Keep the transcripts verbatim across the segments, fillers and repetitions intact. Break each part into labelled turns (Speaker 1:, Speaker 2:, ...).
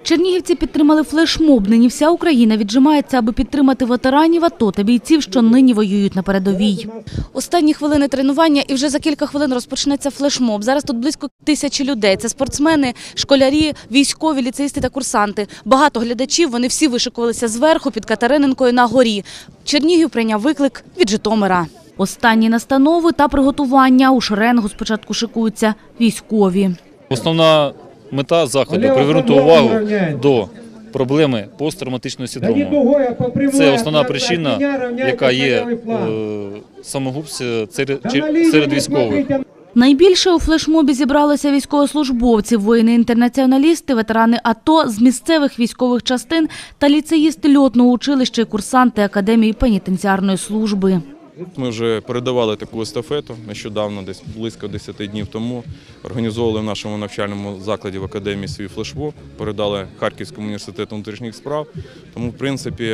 Speaker 1: Чернігівці підтримали флешмоб. Нині вся Україна віджимається, аби підтримати ветеранів АТО та бійців, що нині воюють на передовій. Останні хвилини тренування і вже за кілька хвилин розпочнеться флешмоб. Зараз тут близько тисячі людей. Це спортсмени, школярі, військові, ліцеїсти та курсанти. Багато глядачів, вони всі вишикувалися зверху під Катерининкою на горі. Чернігів прийняв виклик від Житомира. Останні настанови та приготування. У шеренгу спочатку шикуються військові.
Speaker 2: Основна мета заходу – привернути увагу до проблеми посттравматичного синдрому. Це основна причина, яка є е, самогубством серед, серед військових.
Speaker 1: Найбільше у флешмобі зібралися військовослужбовці, воїни-інтернаціоналісти, ветерани АТО з місцевих військових частин та ліцеїсти льотного училища і курсанти Академії пенітенціарної служби.
Speaker 3: Ми вже передавали таку естафету нещодавно, десь близько десяти днів тому. Організовували в нашому навчальному закладі в академії свій флешмоб, передали Харківському університету внутрішніх справ. Тому, в принципі,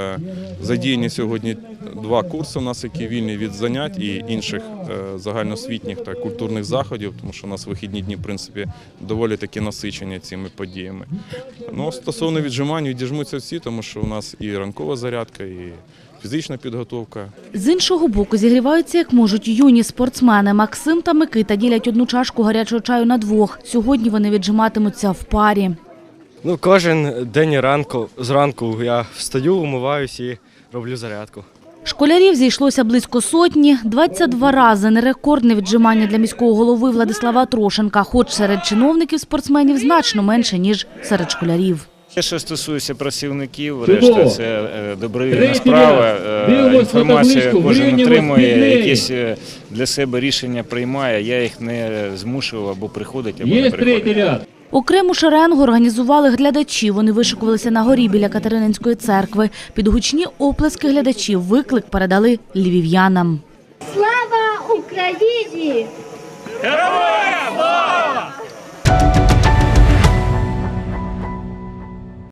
Speaker 3: задіяні сьогодні два курси у нас, які вільні від занять і інших загальноосвітніх та культурних заходів, тому що у нас вихідні дні, в принципі, доволі таки насичені цими подіями. Ну, стосовно віджимань, відіжмуться всі, тому що у нас і ранкова зарядка, і фізична підготовка.
Speaker 1: З іншого боку зігріваються як можуть юні спортсмени. Максим та Микита ділять одну чашку гарячого чаю на двох. Сьогодні вони віджиматимуться в парі.
Speaker 4: Ну, кожен день ранку, зранку я встаю, умиваюсь і роблю зарядку.
Speaker 1: Школярів зійшлося близько сотні. двадцять два рази – не рекордне віджимання для міського голови Владислава Трошенка, хоч серед чиновників спортсменів значно менше, ніж серед школярів.
Speaker 5: Що стосується працівників, решта це добровільна справа, інформацію кожен отримує, якісь для себе рішення приймає, я їх не змушував або приходить, або не приходить.
Speaker 1: Окрему шеренгу організували глядачі. Вони вишикувалися на горі біля Катерининської церкви. Під гучні оплески глядачів виклик передали львів'янам.
Speaker 6: Слава Україні! Героям